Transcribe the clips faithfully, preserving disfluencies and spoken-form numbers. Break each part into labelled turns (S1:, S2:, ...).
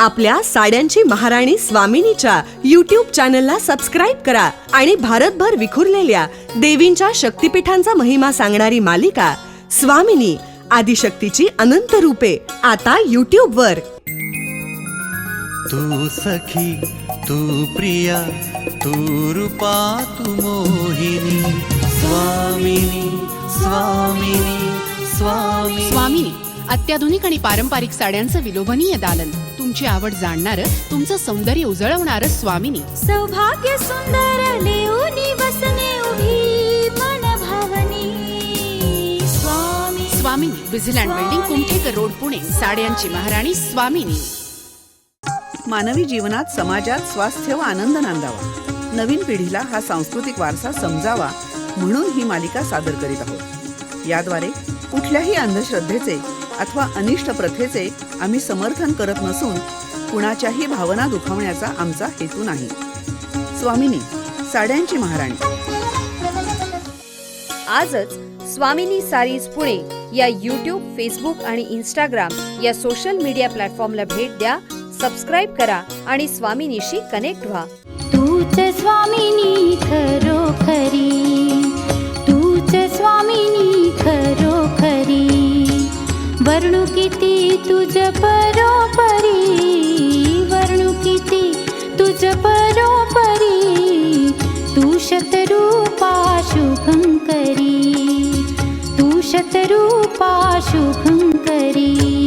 S1: आपल्या साड्यांची महाराणी स्वामिनीच्या यूट्यूब चॅनलला सबस्क्राईब करा आणि भारतभर विखुरलेल्या देवींच्या शक्तिपीठांचा महिमा सांगणारी मालिका स्वामिनी आदिशक्तीची अनंत रूपे आता यूट्यूब वर.
S2: तू सखी, तू प्रिया, तू रूपा, तू मोहिनी. स्वामिनी, स्वामिनी, स्वामिनी.
S3: स्वामिनी अत्याधुनिक आणि पारंपरिक साड्यांचं विलोभनीय दालन, तुमची आवड जाणणारं, तुमचं सौंदर्य उजळवणारं स्वामिनी.
S4: सौभाग्य सुंदर लेऊनी वसने उभी मन भावनी. Swami
S3: Swamini Wizland building, Kumthekar road, Pune. साड्यांची महाराणी स्वामिनी.
S5: मानवी जीवनात, समाजात स्वास्थ्य व आनंद नांदावा, नवीन पिढीला हा सांस्कृतिक वारसा समजावा म्हणून ही मालिका सादर करीत आहोत. याद्वारे कुठल्याही अंधश्रद्धेचे अथवा अनिष्ट प्रथेचे आम्ही समर्थन करत नसून कुणाच्याही भावना दुखावण्याचा आमचा हेतू नाही. स्वामिनी साड्यांची महाराणी.
S6: आजच स्वामिनी सारीज पुणे या यूट्यूब, फेसबुक आणि इंस्टाग्राम या सोशल मीडिया प्लॅटफॉर्मला भेट द्या, सबस्क्राईब करा आणि स्वामिनीशी कनेक्ट व्हा.
S4: तूच स्वामिनी खरोखरी, तूच स्वामिनी खरोखरी. वर्णू किती तुझ परोपरी, वर्णू किती तुझ परोपरी. तू शतरूपा शुभंकरी, तू शतरूपा शुभंकरी.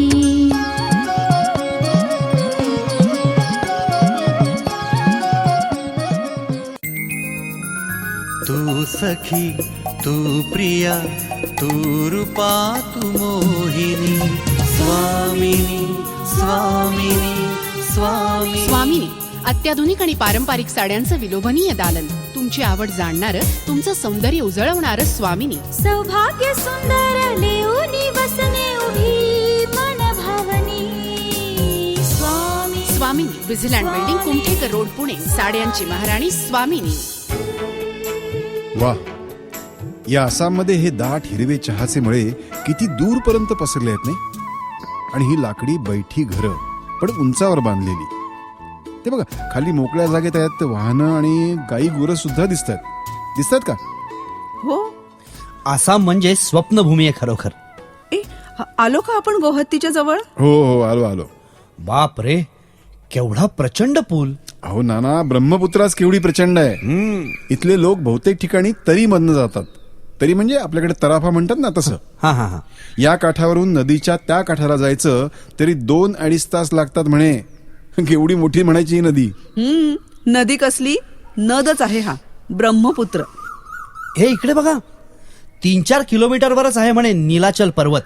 S2: तू सखी, तू प्रिया, तू रूपा, तू मोहिनी. स्वामिनी, स्वामिनी, स्वामिनी.
S3: स्वामिनी अत्याधुनिक आणि पारंपरिक साड्यांचं विलोभनीय दालन, तुमची आवड जाणणारं, तुमचं सौंदर्य उजळवणारं स्वामिनी.
S4: सौभाग्य सुंदर लेऊनी वसने उभी मन भावनी. Swami
S3: Swamini Wizland building, Kumthekar road, Pune. साड्यांची महाराणी स्वामिनी.
S7: वा, या आसाममध्ये हे दाट हिरवे चहाचे मळे किती दूरपर्यंत पसरले आहेत नाही. आणि ही लाकडी बैठी घरं पण उंचावर बांधलेली. ते बघा, खाली मोकळ्या जागेत आहेत वाहनं आणि गाई गुरं सुद्धा दिसतात. दिसतात का?
S5: हो.
S8: आसाम म्हणजे स्वप्नभूमी आहे खरोखर.
S5: ए आलो का आपण गोहत्तीच्या जवळ?
S7: हो हो, आलो आलो.
S8: बाप रे, केवढा प्रचंड पूल.
S7: अहो नाना, ब्रह्मपुत्राच केवढी प्रचंड आहे. इथले लोक बहुतेक ठिकाणी तरी मधनं जातात. तरी म्हणजे आपल्याकडे तराफा म्हणतात ना तसं.
S8: हा हा हा.
S7: या काठावरून नदीच्या त्या काठाला जायचं तरी दोन अडीच तास लागतात म्हणे. केवढी मोठी म्हणायची ही नदी.
S5: हम्म नदी कसली, नदच आहे हा ब्रह्मपुत्र.
S8: हे इकडे बघा, तीन चार किलोमीटरवरच आहे म्हणे नीलाचल पर्वत.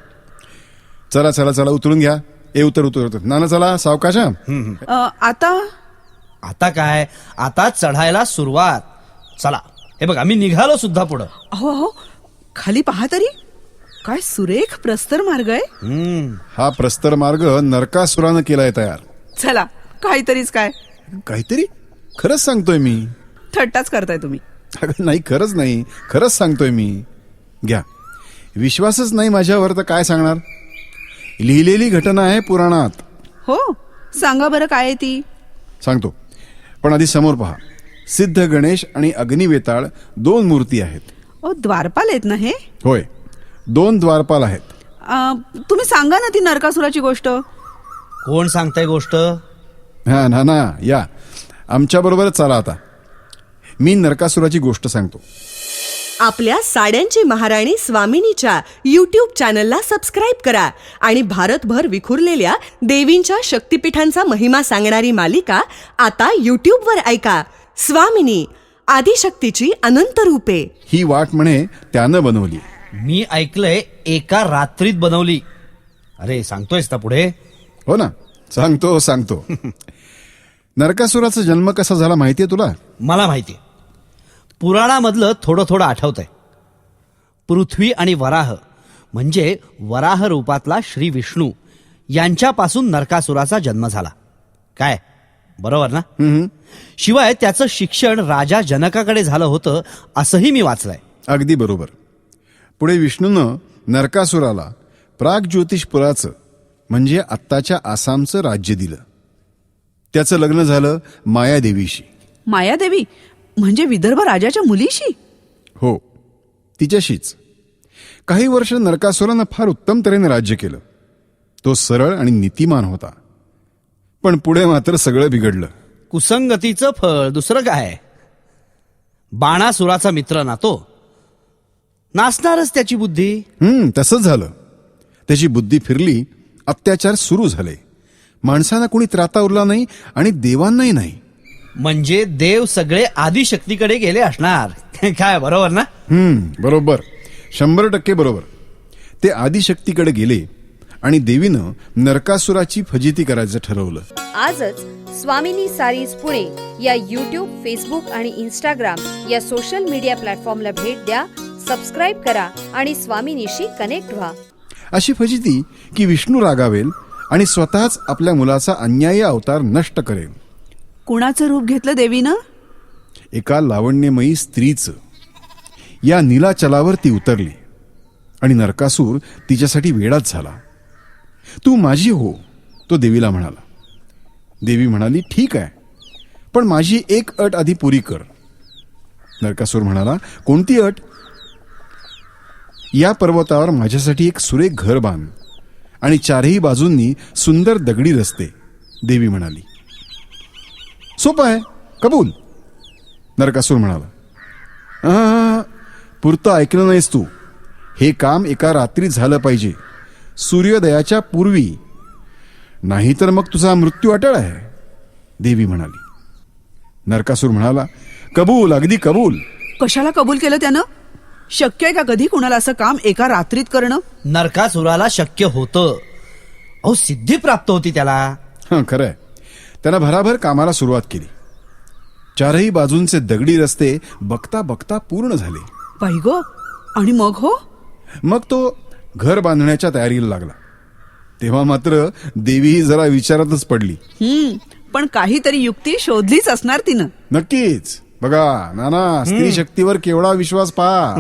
S7: चला चला चला, उतरून घ्या. ए उतर उतर उतर. नाना चला सावकाश.
S5: अ, आता
S8: आता काय, आता चढायला सुरुवात. चला, हे बघा मी निघालो सुद्धा पुढं.
S5: अहो अहो, खाली पहा तरी, काय सुरेख प्रस्तर मार्ग आहे.
S8: हम्म
S7: हा प्रस्तर मार्ग नरकासुरानं केलाय तयार.
S5: चला, काहीतरीच काय.
S7: काहीतरी? खरंच सांगतोय मी.
S5: थट्टाच करताय तुम्ही.
S7: अगं नाही, खरंच नाही, खरंच सांगतोय मी. घ्या, विश्वासच नाही माझ्यावर तर काय सांगणार. लिहिलेली घटना आहे पुराणात.
S5: हो, सांगा बरं काय आहे ती.
S7: सांगतो, पण आधी समोर पहा. सिद्ध गणेश आणि अग्निवेताळ दोन मूर्ती आहेत.
S5: ओ, द्वारपाल आहेत ना हे?
S7: होय, दोन द्वारपाल आहेत.
S5: अ, तुम्ही सांगा ना ती नरकासुराची गोष्ट.
S8: कोण सांगताय गोष्ट?
S7: हा ना ना, या आमच्या बरोबर चला. आता मी नरकासुराची गोष्ट सांगतो.
S1: आपल्या साड्यांची महाराणी स्वामिनीच्या यूट्यूब चॅनलला सबस्क्राईब करा आणि भारतभर विखुरलेल्या देवींच्या शक्तिपीठांचा महिमा सांगणारी मालिका आता यूट्यूब वर ऐका. स्वामिनी आदिशक्तीची अनंत रूपे.
S7: ही वाट म्हणे त्यानं बनवली.
S8: मी ऐकलंय एका रात्रीत बनवली. अरे सांगतोयस ना पुढे?
S7: हो ना, सांगतो सांगतो. नरकासुराचा जन्म कसा झाला माहितीये तुला?
S8: मला माहितीये. पुराणामधलं थोडं थोडं आठवतंय. पृथ्वी आणि वराह म्हणजे वराह रूपातला श्री विष्णू यांच्यापासून नरकासुराचा जन्म झाला. काय बरोबर ना? शिवाय त्याचं शिक्षण राजा जनकाकडे झालं होतं असंही मी वाचलंय.
S7: अगदी बरोबर. पुढे विष्णूनं नरकासुराला प्राग ज्योतिषपुराचं म्हणजे आत्ताच्या आसामचं राज्य दिलं. त्याचं लग्न झालं मायादेवीशी.
S5: मायादेवी म्हणजे विदर्भ राजाच्या मुलीशी?
S7: हो, तिच्याशीच. काही वर्ष नरकासुरानं फार उत्तम तऱ्हेने राज्य केलं. तो सरळ आणि नीतिमान होता. पण पुढे मात्र सगळं बिघडलं.
S8: कुसंगतीचं फळ दुसरं काय? बाणासुराचा मित्र ना तो. नासणारच त्याची बुद्धी.
S7: हम्म तसंच झालं. त्याची बुद्धी फिरली, अत्याचार सुरू झाले. माणसांना कुणी त्राता उरला नाही आणि देवांनाही नाही.
S8: म्हणजे देव सगळे आदिशक्तीकडे गेले असणार. काय बरोबर ना?
S7: हम्म बरोबर, शंभर टक्के बरोबर. ते आदिशक्तीकडे गेले आणि देवीनं नरकासुराची फजिती करायचं ठरवलं.
S6: आजच स्वामिनी सारीज पुणे या यूट्यूब, फेसबुक आणि इंस्टाग्राम या सोशल मीडिया प्लॅटफॉर्मला भेट द्या, सबस्क्राईब करा आणि स्वामिनीशी कनेक्ट व्हा.
S7: अशी फजिती की विष्णू रागावेल आणि स्वतःच आपल्या मुलाचा अन्यायी अवतार नष्ट करेल.
S5: कुणाचं रूप घेतलं देवीनं?
S7: एका लावण्यमयी स्त्रीचं. या नीलाचलावर ती उतरली आणि नरकासूर तिच्यासाठी वेडाच झाला. तू माझी हो, तो देवीला म्हणाला. देवी म्हणाली, ठीक आहे, पण माझी एक अट आधी पुरी कर. नरकासूर म्हणाला, कोणती अट? या पर्वतावर माझ्यासाठी एक सुरेख घर बांध आणि चारही बाजूंनी सुंदर दगडी रस्ते. देवी म्हणाली, सोपं आहे, कबूल. नरकासूर म्हणाला, "आ, पुरतं ऐकलं नाहीस तू. हे काम एका रात्रीत झालं पाहिजे, सूर्योदयाच्या पूर्वी, नाहीतर मग तुझा मृत्यू अटळ आहे. देवी म्हणाली. नरकासूर म्हणाला, कबूल, अगदी कबूल.
S5: कशाला कबूल केलं त्यानं? शक्य आहे का कधी कुणाला असं काम एका रात्रीत करणं?
S8: नरकासुराला शक्य होतं. अहो, सिद्धी प्राप्त होती त्याला.
S7: हं, खरंय. त्यानं भराभर कामाला सुरुवात केली. चारही बाजूंचे दगडी रस्ते बघता बघता पूर्ण झाले.
S5: बाई गो, आणि मग हो?
S7: मग तो घर बांधण्याच्या तयारीला लागला. तेव्हा मात्र देवी जरा विचारातच पडली.
S5: हम्म पण काहीतरी युक्ती शोधलीच असणार तिनं.
S7: नक्कीच. बघा नाना, स्त्री शक्तीवर केवढा विश्वास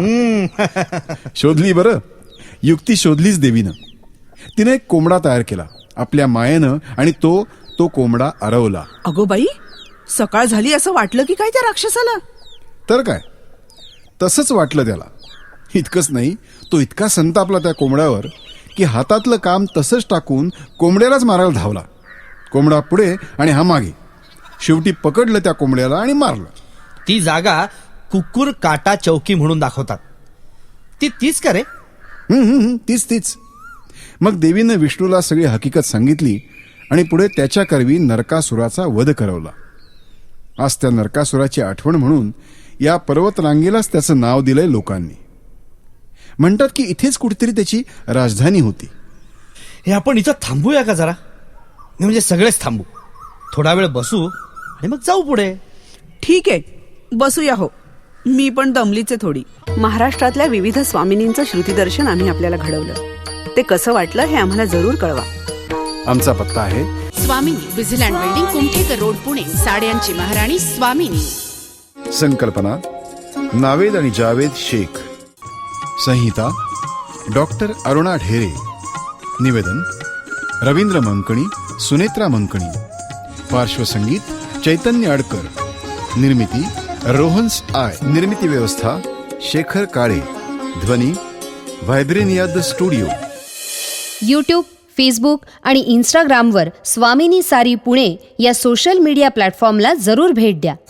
S7: पहा. शोधली बरं, युक्ती शोधलीच देवीनं. तिने एक कोंबडा तयार केला आपल्या मायेनं आणि तो तो कोंबडा आरवला.
S5: अगो बाई, सकाळ झाली असं वाटलं की काय त्या राक्षसाला?
S7: तर काय, तसंच वाटलं त्याला. इतकंच नाही, तो इतका संतापला त्या कोंबड्यावर की हातातलं काम तसंच टाकून कोंबड्यालाच मारायला धावला. कोंबडा पुढे आणि हा मागे. शेवटी पकडलं त्या कोंबड्याला आणि मारलं.
S8: ती जागा कुकुर काटा चौकी म्हणून दाखवतात. ती तीच का रे?
S7: हम्म, हम्म, तीच तीच. मग देवीनं विष्णूला सगळी हकीकत सांगितली आणि पुढे त्याच्या करवी नरकासुराचा वध करवला. आज त्या नरकासुराची आठवण म्हणून या पर्वतरांगेलाच त्याचं नाव दिलंय लोकांनी. म्हणतात की इथेच कुठेतरी त्याची राजधानी होती.
S8: हे आपण इथं थांबूया का जरा? म्हणजे सगळेच थांबू, थोडा वेळ बसू आणि मग जाऊ पुढे.
S5: ठीक आहे, बसूया हो. मी पण दमलीच आहे थोडी. महाराष्ट्रातल्या विविध स्वामिनींचं श्रुतीदर्शन आम्ही आपल्याला घडवलं. ते कसं वाटलं हे आम्हाला जरूर कळवा.
S7: आमचा पत्ता आहे
S3: Swamini, Wizland building, Kumthekar road, Pune. साड्यांची महाराणी स्वामिनी.
S7: संकल्पना नावेद आणि जावेद शेख. संहिता डॉक्टर अरुणा ढेरे. निवेदन रवींद्र मंकणी, सुनेत्रा मंकणी. पार्श्वसंगीत चैतन्य अडकर. निर्मिती रोहन्स आय. निर्मिती व्यवस्था शेखर काळे. ध्वनी Vibrania the studio.
S6: YouTube, Facebook आणि इंस्टाग्रामवर स्वामिनी सारी पुणे या सोशल मीडिया प्लॅटफॉर्मला जरूर भेट द्या.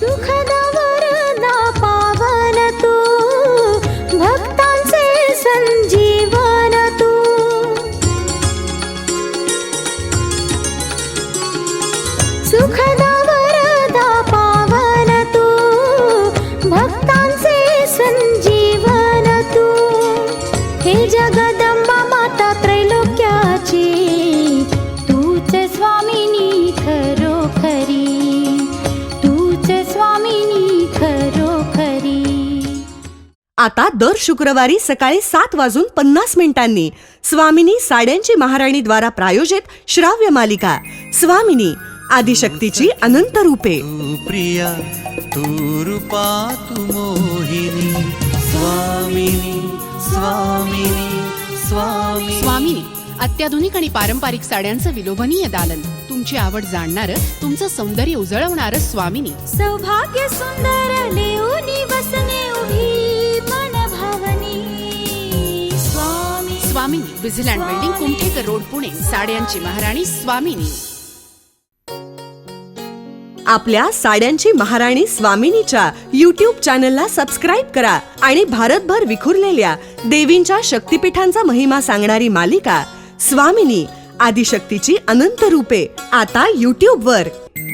S4: पावन तू भक्तांचे संजीवन तू. सुखदा वरदा पावन तू भक्तांचे संजीवन तू. हे जगदंबा माता त्रैलोक्याची तूच स्वामिनी खरोखरी. तूच स्वामिनी खरोखरी.
S1: आता दर शुक्रवारी सकाळी सात वाजून पन्नास मिनिटांनी स्वामिनी साड्यांची महाराणी द्वारा प्रायोजित श्राव्य मालिका स्वामिनी, आदिशक्तीची अनंत रूपे.
S2: तू प्रिया तू रूपा तू मोहिनी. स्वामिनी स्वामिनी स्वामिनी.
S3: स्वामिनी, अत्याधुनिक आणि पारंपरिक साड्यांचं विलोभनीय दालन, तुमची आवड जाणणारं, तुमचं सौंदर्य उजळवणारं स्वामिनी.
S4: सौभाग्य सुंदर लेऊनी वसने उभी मन भावनी Swami.
S3: Swamini, Wizland building, Kumthekar road, Pune. साड्यांची महाराणी स्वामिनी.
S1: आपल्या साड्यांची महाराणी स्वामिनीच्या यूट्यूब चॅनलला सबस्क्राईब करा आणि भारतभर विखुरलेल्या देवींच्या शक्तिपीठांचा महिमा सांगणारी मालिका स्वामिनी, आदिशक्तीची अनंत रूपे, आता यूट्यूब वर.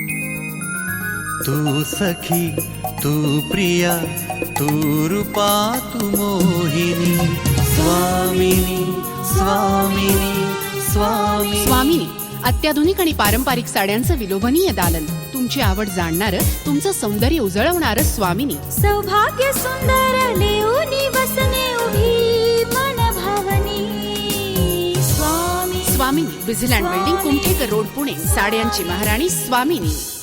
S2: तू सखी तू प्रिया तू रूपा तू मोहिनी स्वामिनी स्वामिनी स्वामिनी.
S3: स्वामिनी, अत्याधुनिक आणि पारंपरिक साड्यांचं विलोभनीय दालन, तुमची आवड जाणणारं, तुमचं सौंदर्य उजळवणारं स्वामिनी.
S4: सौभाग्य सुंदर लेऊनी वसने उभी मन भावनी Swami.
S3: Swamini, Wizland building, Kumthekar road, Pune. साड्यांची महाराणी स्वामिनी.